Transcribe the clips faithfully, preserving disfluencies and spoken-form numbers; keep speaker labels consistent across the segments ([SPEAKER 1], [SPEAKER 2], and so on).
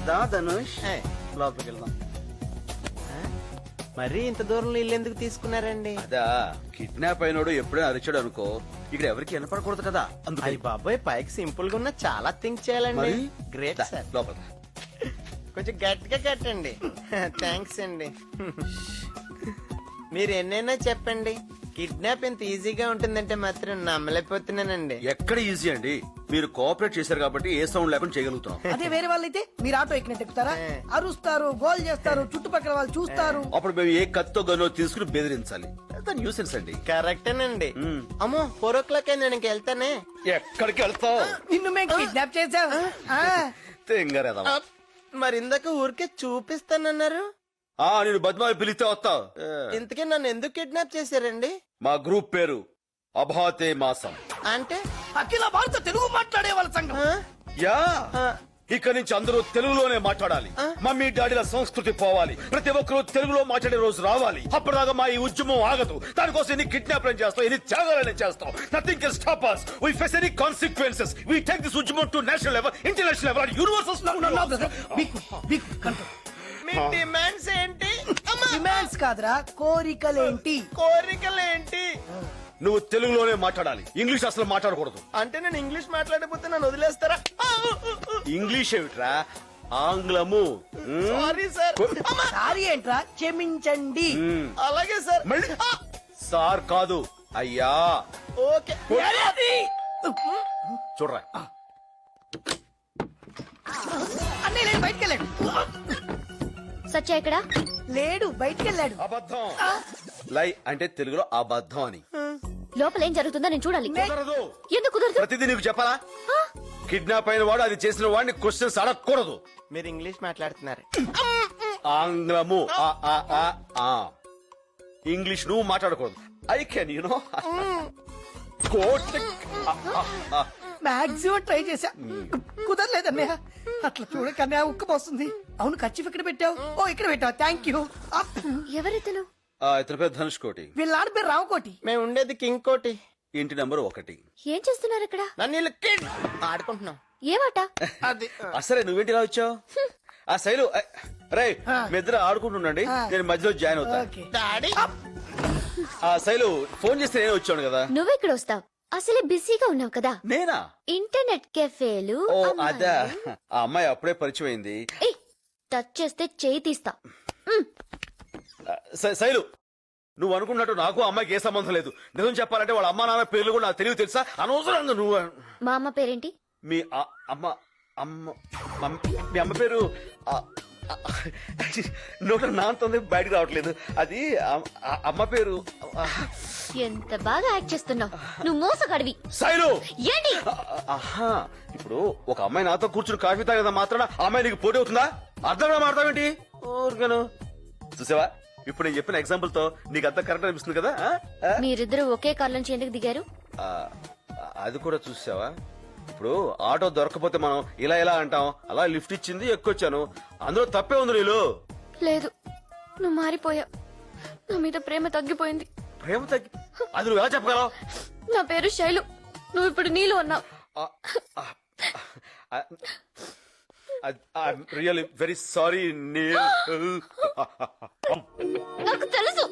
[SPEAKER 1] దా ధనుష్ లోపలికి వెళ్దాం.
[SPEAKER 2] మరీ ఇంత దూరంలో ఇల్లు ఎందుకు తీసుకున్నారండి?
[SPEAKER 1] అదా కిడ్నాప్ అయినోడు ఎప్పుడైనా అరిచాడు అనుకో, ఇక్కడ ఎవరికి వినపడకూడదు కదా అందుకని.
[SPEAKER 2] అయ్య బాబాయ్, పైకి సింపుల్ గా ఉన్న చాలా థింక్ చేయాలండి.
[SPEAKER 1] మరి?
[SPEAKER 2] గ్రేట్
[SPEAKER 1] దా,
[SPEAKER 2] సార్.
[SPEAKER 1] లోపల రా.
[SPEAKER 2] కొంచెం గట్టిగా కట్టండి. థ్యాంక్స్ అండి. మీరు ఎన్నైనా చెప్పండి, కిడ్నాప్ ఇంత ఈజీగా ఉంటుందంటే మాత్రం నమ్మలేకపోతున్నానండి.
[SPEAKER 1] ఎక్కడ ఈజీ అండి, మీరు కోఆపరేట్ చేశారు కాబట్టి ఏ సౌండ్ లేకుండా చేయగలుగుతాం.
[SPEAKER 3] అదే వేరే వాళ్ళైతే మీరు ఆటో ఎక్కినట్టు ఎక్కుతారా? అరుస్తారు, గోల్ చేస్తారు, చుట్టుపక్కల వాళ్ళు చూస్తారు.
[SPEAKER 1] అప్పుడు మేము ఏ కత్తో గనో తీసుకుని బెదిరించాలి. న్యూసెన్స్ అండి.
[SPEAKER 2] కరెక్టేనండి. అమ్మో, ఫోర్ ఓ క్లాక్ నేను ఇంక వెళ్తానే.
[SPEAKER 1] ఎక్కడికి వెళ్తావు?
[SPEAKER 3] నిన్ను మేము కిడ్నాప్ చేసాం.
[SPEAKER 1] తెంగరేదా.
[SPEAKER 2] మరి ఇందాక ఊరికే చూపిస్తానన్నారు.
[SPEAKER 1] ఆ నేను బద్మాయి పిలిస్తే వస్తావు.
[SPEAKER 2] ఇంతకీ నన్ను ఎందుకు కిడ్నాప్ చేశారండి?
[SPEAKER 1] మా గ్రూప్ పేరు అభాతే మాసం.
[SPEAKER 2] అంటే
[SPEAKER 3] అఖిల భారత తెలుగు మాట్లాడే వాళ్ళ సంఘం.
[SPEAKER 2] ఆ?
[SPEAKER 1] యా
[SPEAKER 2] ఆ.
[SPEAKER 1] ఇక నుంచి అందరూ తెలుగులోనే మాట్లాడాలి. మమ్మీ డాడీల సంస్కృతి పోవాలి. ప్రతి ఒక్కరూ తెలుగులో మాట్లాడే రోజు రావాలి. అప్పటిదాకా మా ఈ ఉద్యమం ఆగదు. దానికోసం ఎన్ని కిడ్నాప్లను చేస్తాం, ఎన్ని త్యాగాలను చేస్తాం. Nothing can stop us. We face any consequences. We take this ఉద్యమం to national level, international level and universal level.
[SPEAKER 2] మీ డిమాండ్స్ ఏంటి?
[SPEAKER 3] డిమాండ్స్ కాదురా, కోరికలేంటి?
[SPEAKER 2] కోరికలేంటి?
[SPEAKER 1] నువ్వు తెలుగులోనే మాట్లాడాలి, ఇంగ్లీష్ అసలు మాట్లాడకూడదు.
[SPEAKER 2] అంటే నేను ఇంగ్లీష్ మాట్లాడకపోతే నన్ను వదిలేస్తారా?
[SPEAKER 1] ఇంగ్లీష్ ఏమిట్రా, ఆంగ్లము.
[SPEAKER 2] Sorry sir.
[SPEAKER 3] సారీ ఏంట్రా, క్షమించండి.
[SPEAKER 2] అలాగే సార్.
[SPEAKER 1] మళ్ళీ సార్ కాదు అయ్యా.
[SPEAKER 2] ఓకే.
[SPEAKER 1] చూడరా,
[SPEAKER 3] అన్నయ్య లేడు, బయటికి వెళ్ళాడు.
[SPEAKER 4] సత్య ఎక్కడా?
[SPEAKER 3] లేడు, బయటికి వెళ్ళాడు.
[SPEAKER 1] అబద్ధం. లై అంటే తెలుగులో అబద్ధం అని.
[SPEAKER 4] లోపల ఏం జరుగుతుందో నేను చూడాలి.
[SPEAKER 1] కుదరదు.
[SPEAKER 4] ఎందుకు కుదరదు?
[SPEAKER 1] ప్రతిదీ నీకు చెప్పాలా? కిడ్నాప్ అయిన వాడు అది చేసిన వాడిని క్వశ్చన్స్ అడగకూడదు.
[SPEAKER 2] మీరు ఇంగ్లీష్ మాట్లాడుతున్నారు.
[SPEAKER 1] ఆంగ్లము. ఆ, ఆ, ఆ, ఆ. ఇంగ్లీష్ నువ్వు మాట్లాడకూడదు. I can you know quote.
[SPEAKER 3] Maximum try చేశా, కుదరలేదు అన్నయ్య. అట్లా చూడక అన్నయ్య ఉక్కు పోస్తుంది. అవును, ఖర్చు ఇక్కడ పెట్టావు. ఓ ఇక్కడ పెట్టావు, థ్యాంక్ యూ.
[SPEAKER 4] ఎవరితను?
[SPEAKER 1] ఇతని పేరు ధనుష్ కోటి.
[SPEAKER 3] వీళ్ళ ఆడ పేరు రామకోటి.
[SPEAKER 2] మేము ఉండేది కింగ్ కోటి.
[SPEAKER 1] ఇంటి నంబర్ ఒకటి.
[SPEAKER 4] ఏం చేస్తున్నారు ఇక్కడ?
[SPEAKER 2] నన్ను వీళ్ళు కిడ్ ఆడుకుంటున్నాం.
[SPEAKER 4] ఏమాట?
[SPEAKER 2] అది
[SPEAKER 1] అసలే నువ్వేంటి ఇలా వచ్చావు? ఆ శైలు రే, మీ ఇద్దరు ఆడుకుంటుండండి, నేను మధ్యలో జాయిన్ అవుతా.
[SPEAKER 3] ఓకే.
[SPEAKER 2] డాడీ.
[SPEAKER 1] ఆ శైలు ఫోన్ చేస్తే నేను వచ్చాను కదా.
[SPEAKER 4] నువ్వెక్కడ వస్తావు? అసలే బిజీగా ఉన్నావు కదా.
[SPEAKER 1] నేనా?
[SPEAKER 4] ఇంటర్నెట్ కెఫేలు.
[SPEAKER 1] ఓ అదా, ఆ అమ్మాయి అప్పుడే పరిచయం అయింది.
[SPEAKER 4] ఏయ్, టచ్ చేస్తే చేయి తీస్తా.
[SPEAKER 1] శ- శైలు, నువ్వు అనుకున్నట్టు నాకు ఆ అమ్మాయికి ఏ సంబంధం లేదు. నిజం చెప్పాలంటే వాళ్ళ అమ్మా నాన్న పేర్లు కూడా నాకు తెలివి తెలుసా? అనవసరంగా నువ్వు.
[SPEAKER 4] మా అమ్మ పేరేంటి?
[SPEAKER 1] మీ ఆ- అమ్మ అమ్మ మమ్- మీ అమ్మ పేరు ఆ- ఆ- నోట నాంతుంది, బయటకు రావట్లేదు. అది ఆ- ఆ అమ్మ పేరు ఆ,
[SPEAKER 4] ఎంత బాగా యాక్ట్ చేస్తున్నావు. నువ్వు మోసగాడివి.
[SPEAKER 1] శైలు.
[SPEAKER 4] ఏంటి?
[SPEAKER 1] ఆ- ఆహా, ఇప్పుడు ఒక అమ్మాయి నాతో కూర్చుని కాఫీ తాగదా మాత్రాన ఆ అమ్మాయి నీకు పోటీ అవుతుందా? అర్థంగా మాడతావేంటి? ఊరికను చూసావా, ఇప్పుడు నేను చెప్పిన ఎగ్జాంపుల్ తో నీకు అంతా కరెక్ట్ అనిపిస్తుంది కదా. ఆ? ఆ?
[SPEAKER 4] మీరిద్దరు ఒకే కార్ నుంచి ఎందుకు దిగారు?
[SPEAKER 1] ఆ, అది కూడా చూసావా, ఇప్పుడు ఆటో దొరకపోతే మనం ఇలా ఇలా అంటాం, అలా లిఫ్ట్ ఇచ్చింది ఎక్కొచ్చాను, అందులో తప్పే ఉంది. నీళ్ళు
[SPEAKER 4] లేదు, నువ్వు మారిపోయావు. నా మీద ప్రేమ తగ్గిపోయింది.
[SPEAKER 1] ప్రేమ తగ్గి అది నువ్వు ఎలా చెప్పగలవు?
[SPEAKER 4] నా పేరు శైలు, నువ్వు ఇప్పుడు నీళ్ళు అన్నావు.
[SPEAKER 1] Really very sorry Neel.
[SPEAKER 4] నాకు తెలుసు.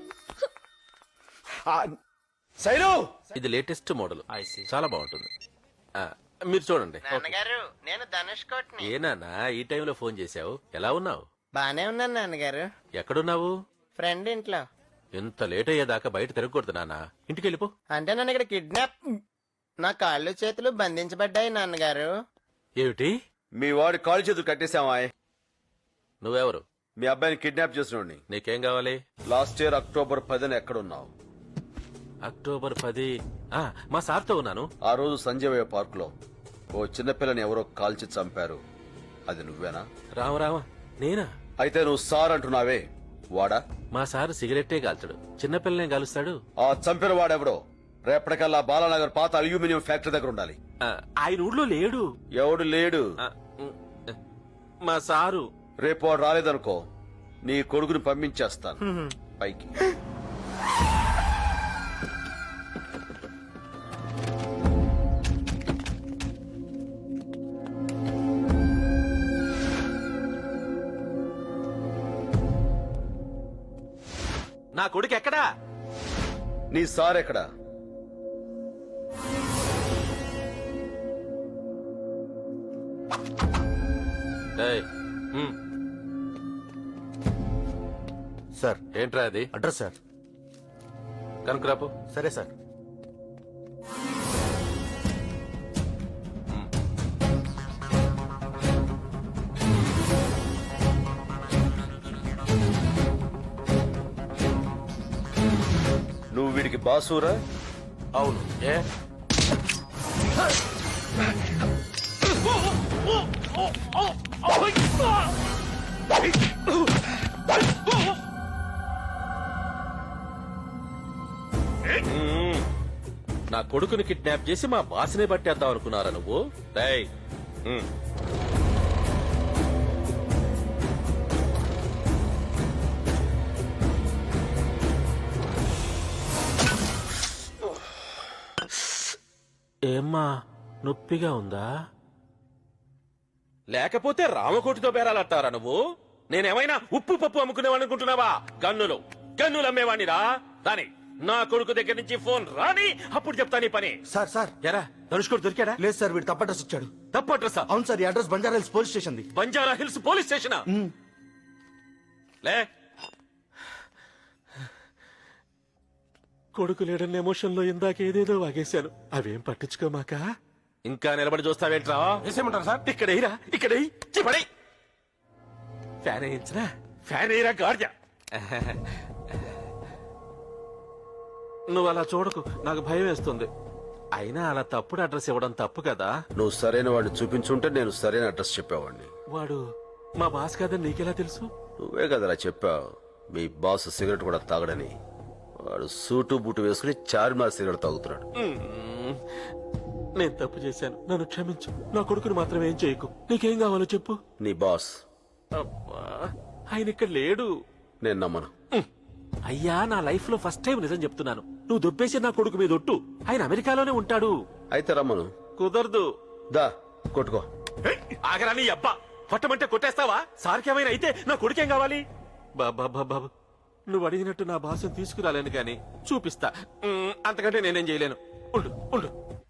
[SPEAKER 1] శైలు,
[SPEAKER 5] ఇది లేటెస్ట్ మోడల్, చాలా బాగుంటుంది. ఆ, మీరు చూడండి.
[SPEAKER 2] నాన్నగారు, నేను ధనుష్ కోటిని.
[SPEAKER 5] ఏ నాన్న ఈ టైంలో ఫోన్ చేశావు? ఎలా ఉన్నావు?
[SPEAKER 2] బానే ఉన్నాను నాన్నగారు.
[SPEAKER 5] ఎక్కడున్నావు?
[SPEAKER 2] ఫ్రెండ్ ఇంట్లో.
[SPEAKER 5] ఇంత లేట్ అయ్యేదాకా బయట తిరగకూడదు నాన్న, ఇంటికి వెళ్ళిపో.
[SPEAKER 2] అంటే నన్ను ఇక్కడ కిడ్నాప్, నా కాళ్ళు చేతులు బంధించబడ్డాయి నాన్నగారు.
[SPEAKER 5] ఏమిటి?
[SPEAKER 1] మీ వాడి కాలు చేతులు కట్టేశావా?
[SPEAKER 5] నువ్వెవరు?
[SPEAKER 1] మీ అబ్బాయిని కిడ్నాప్ చేసినోడిని.
[SPEAKER 5] నీకేం కావాలి?
[SPEAKER 1] లాస్ట్ ఇయర్ అక్టోబర్ పదిన ఎక్కడున్నావు?
[SPEAKER 5] అక్టోబర్ పది ఆ, మా సార్తో ఉన్నాను.
[SPEAKER 1] ఆ రోజు సంజయ్ పార్క్ లో ఓ చిన్నపిల్లని ఎవరో కాల్చి చంపారు, అది నువ్వేనా?
[SPEAKER 5] రామ రామ, నేనా?
[SPEAKER 1] అయితే నువ్వు సార్ అంటున్నావే, వాడా?
[SPEAKER 5] మా సార్ సిగరెట్టే కాల్చడు, చిన్నపిల్లనే కాలుస్తాడు.
[SPEAKER 1] ఆ చంపిన వాడెవడో రేపటికల్లా బాలానగర్ పాత అల్యూమినియం ఫ్యాక్టరీ దగ్గర ఉండాలి.
[SPEAKER 5] ఆ, ఆయన ఊళ్ళో లేడు.
[SPEAKER 1] ఎవడు లేడు?
[SPEAKER 5] ఆ, ఉమ్, మా సారు.
[SPEAKER 1] రేపు వాడు రాలేదనుకో, నీ కొడుకుని పంపించేస్తాను పైకి.
[SPEAKER 5] నా కొడుకు ఎక్కడా?
[SPEAKER 1] నీ సార్ ఎక్కడ?
[SPEAKER 5] ఏయ్, ఉమ్,
[SPEAKER 6] సార్
[SPEAKER 5] ఏంట్రా అది?
[SPEAKER 6] Address sir.
[SPEAKER 5] కనుకురాపు.
[SPEAKER 6] సరే సార్.
[SPEAKER 1] నువ్వు వీడికి బాసురా?
[SPEAKER 5] అవును. ఏ మ్మ్. నా కొడుకుని కిడ్నాప్ చేసి మా బాస్నే పట్టేద్దాం అనుకున్నారా నువ్వు? రేయ్, మ్మ్. ఏమ్మా, నొప్పిగా ఉందా? లేకపోతే రామకోటితో బేరాలంటారా నువ్వు? నేనేమైనా ఉప్పు పప్పు అమ్ముకునేవాడిని అనుకుంటున్నావా? గన్నులు గన్నులు అమ్మేవాణిరా. రాని నా కొడుకు దగ్గర నుంచి ఫోన్ రాని, అప్పుడు చెప్తా నీ పని.
[SPEAKER 6] సార్ సార్
[SPEAKER 5] ఎరా ధనుష్కోడు దొరికాడా?
[SPEAKER 6] లేదు సార్, వీడు తప్ప అడ్రస్ ఇచ్చాడు.
[SPEAKER 5] తప్పు అడ్రస్?
[SPEAKER 6] అవును సార్, ఈ address Banjara Hills police station ది.
[SPEAKER 5] Banjara Hills police station? లే, కొడుకు లేడన్న ఎమోషన్ లో ఇందాక ఏదేదో వాగేశాను. అవేం పట్టించుకోమాక. ఇంకా నిలబడి చూస్తావేంట్రా? వేసేయమంటారు సార్? ఇక్కడ ఎయిరా, ఇక్కడ ఎయ్. చిపడై. ఫ్యాన్ వేయించరా? ఫ్యాన్ ఎయిరా గార్జా. నువ్వు అలా చూడకు, నాకు భయం వేస్తుంది. అయినా అలా తప్పుడు అడ్రస్ ఇవ్వడం తప్పు కదా.
[SPEAKER 1] నువ్వు సరైన వాడిని చూపించుంటే నేను సరైన అడ్రస్ చెప్పేవాడిని.
[SPEAKER 5] వాడు మా బాస్ కాదని నీకెలా తెలుసు?
[SPEAKER 1] నువ్వే కదరా చెప్పావు మీ బాస్ సిగరెట్ కూడా తాగడని. వాడు సూటు బూటు వేసుకుని చార్మినార్ సిగరెట్ తాగుతున్నాడు.
[SPEAKER 5] మ్మ్. నేను తప్పు చేశాను, నన్ను క్షమించు. నా కొడుకుని మాత్రం ఏం చేయకు. నీకేం కావాలో చెప్పు.
[SPEAKER 1] నీ బాస్
[SPEAKER 5] అబ్బా, ఆయన ఇక్కడ లేడు.
[SPEAKER 1] నేను నమ్మను.
[SPEAKER 5] మ్మ్. అయ్యా, నా లైఫ్ లో ఫస్ట్ టైం నిజం చెప్తున్నాను. నువ్వు దొబ్బేసి నా కొడుకు మీద ఒట్టు. ఆయన అమెరికాలోనే ఉంటాడు.
[SPEAKER 1] అయితే రమ్మను.
[SPEAKER 5] కుదరదు.
[SPEAKER 1] దా కొట్టుకో.
[SPEAKER 5] ఏయ్, ఆగరా నీ అబ్బా. కొట్టమంటే కొట్టేస్తావా? సార్కేమైనా అయితే నా కొడుకేం కావాలి? బాబా బాబా, నువ్వు అడిగినట్టు నా భాషను తీసుకురాలేను కానీ చూపిస్తా. మ్మ్, అంతకంటే నేనేం చేయలేను. ఉండు ఉండు.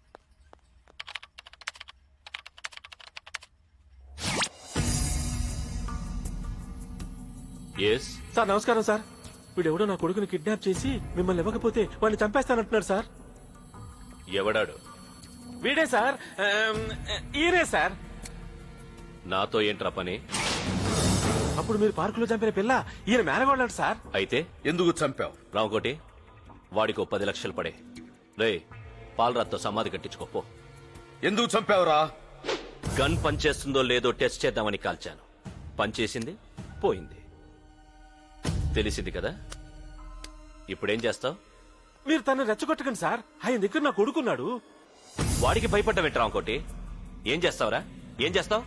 [SPEAKER 7] ఎస్
[SPEAKER 5] సార్ నమస్కారం సార్. వీడెవడో నా కొడుకుని కిడ్నాప్ చేసి మిమ్మల్ని ఇవ్వకపోతే వాడిని చంపేస్తానంటున్నాడు సార్.
[SPEAKER 7] ఎవడాడు?
[SPEAKER 5] వీడే సార్. ఆమ్, ఈయనే సార్.
[SPEAKER 7] నాతో ఏంట్రా పని?
[SPEAKER 5] అప్పుడు మీరు పార్కులో చంపిన పిల్ల ఈయన మేనగోళ్ళాడు సార్.
[SPEAKER 7] అయితే
[SPEAKER 1] ఎందుకు చంపావు?
[SPEAKER 7] రామకోటి, వాడికి ఓ పది లక్షలు పడే. రే, పాలరాత్తో సమాధి కట్టించుకోపో.
[SPEAKER 1] ఎందుకు చంపావురా?
[SPEAKER 7] గన్ పనిచేస్తుందో లేదో టెస్ట్ చేద్దామని కాల్చాను. పనిచేసింది, పోయింది. తెలిసింది కదా. ఇప్పుడేం చేస్తావు?
[SPEAKER 5] మీరు తను రెచ్చగొట్టకండి సార్. ఆయన దగ్గర నా కొడుకున్నాడు.
[SPEAKER 7] వాడికి భయపడ్డావేంటి రామకోటి? ఏం చేస్తావురా? ఏం చేస్తావు?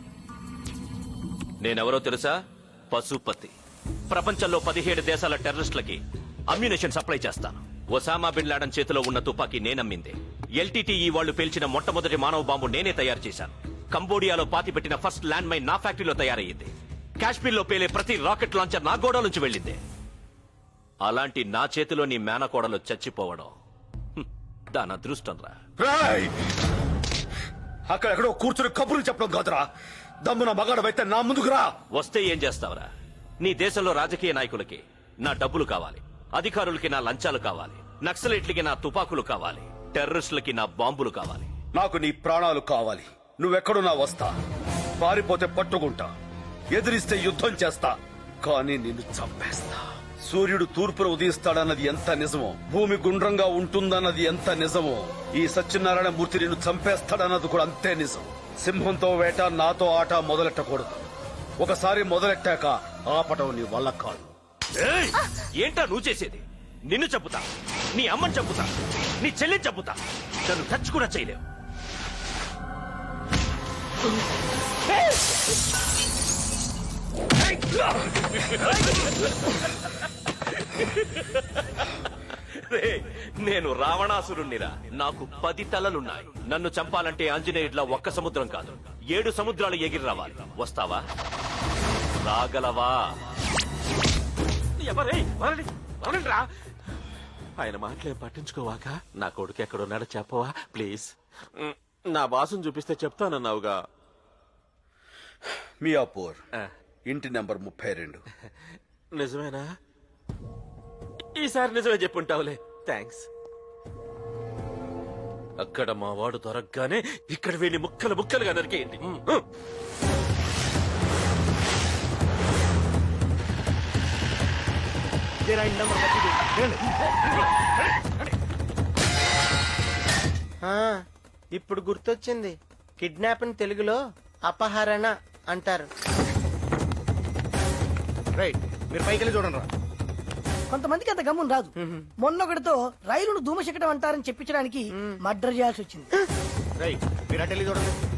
[SPEAKER 7] నేనెవరో తెలుసా? పశుపతి. ప్రపంచంలో పదిహేడు దేశాల టెర్రరిస్టులకి అమ్యునేషన్ సప్లై చేస్తాను. ఒసామా బిన్ లాడన్ చేతిలో ఉన్న తుపాకీ నేనమ్మిందే. ఎల్టీటీఈ వాళ్లు పేల్చిన మొట్టమొదటి మానవ బాంబు నేనే తయారు చేశాను. కంబోడియాలో పాతిపెట్టిన ఫస్ట్ ల్యాండ్ మైన్ నా ఫ్యాక్టరీలో తయారయ్యింది. కాశ్మీర్లో పేలే ప్రతి రాకెట్ లాంచర్ నా గోడ నుంచి వెళ్ళిందే. అలాంటి నా చేతిలో నీ మేనకోడలు చచ్చిపోవడం హ్మ్, దాని అదృష్టం రా.
[SPEAKER 1] రాయ్! అక్కడెక్కడో కూర్చుని కబుర్లు చెప్పడం కాదురా. దమ్మున మగాడవైతే నా ముందుకు రా.
[SPEAKER 7] వస్తే ఏం చేస్తావురా? నీ దేశంలో రాజకీయ నాయకులకి నా డబ్బులు కావాలి, అధికారులకి నా లంచాలు కావాలి, నక్సలైట్లకి నా తుపాకులు కావాలి, టెర్రరిస్టులకి నా బాంబులు కావాలి.
[SPEAKER 1] నాకు నీ ప్రాణాలు కావాలి. నువ్వెక్కడున్నా వస్తా. పారిపోతే పట్టుకుంటా, ఎదిరిస్తే యుద్ధం చేస్తా, కానీ నిన్ను చంపేస్తా. సూర్యుడు తూర్పున ఉదయిస్తాడన్నది ఎంత నిజమో, భూమి గుండ్రంగా ఉంటుందన్నది ఎంత నిజమో, ఈ సత్యనారాయణ మూర్తి నిన్ను చంపేస్తాడన్నది కూడా అంతే నిజం. సింహంతో వేట, నాతో ఆట మొదలెట్టకూడదు. ఒకసారి మొదలెట్టాక ఆపటం నీ వల్ల కాదు.
[SPEAKER 7] ఏయ్! ఏంటా నువ్వు చేసేది? నిన్ను చంపుతా, నీ అమ్మని చంపుతా, నీ చెల్లిని చంపుతా. నన్ను టచ్ కూడా చేయలేవు. రే, నేను రావణాసురుణ్ణిరా. నాకు పది తలలున్నాయి. నన్ను చంపాలంటే ఆంజనేయుడిలా ఒక్క సముద్రం కాదు, ఏడు సముద్రాలు ఎగిరి రావాలి. వస్తావా? రాగలవా?
[SPEAKER 5] ఎవరే వదలండి, అవునండ్రా. ఆయన మాటలేం పట్టించుకోవాక నా కొడుకు ఎక్కడున్నాడో చెప్పవా ప్లీజ్. మ్, నా బాసుని చూపిస్తే చెప్తానన్నావుగా.
[SPEAKER 1] మియాపూర్
[SPEAKER 5] ఆ,
[SPEAKER 1] ఇంటి నెంబర్ ముప్పై రెండు.
[SPEAKER 5] నిజమేనా? ఈసారి నిజమే చెప్పుంటావులే. థ్యాంక్స్. అక్కడ మా వాడు దొరకగానే ఇక్కడ వీడిని ముక్కలు ముక్కలుగా నరికేయండి. మ్, మ్.
[SPEAKER 2] ఆ, ఇప్పుడు గుర్తొచ్చింది. కిడ్నాప్ అని తెలుగులో అపహరణ అంటారు.
[SPEAKER 6] రైట్, మీరు పైకి వెళ్ళి చూడండి రా.
[SPEAKER 3] కొంతమందికి అంత గమ్మున రాదు. మొన్నొకటితో రైలును ధూమశకటం అంటారని చెప్పించడానికి మర్డర్ చేయాల్సి వచ్చింది.
[SPEAKER 6] రైట్, మీరు అటు వెళ్ళి చూడండి.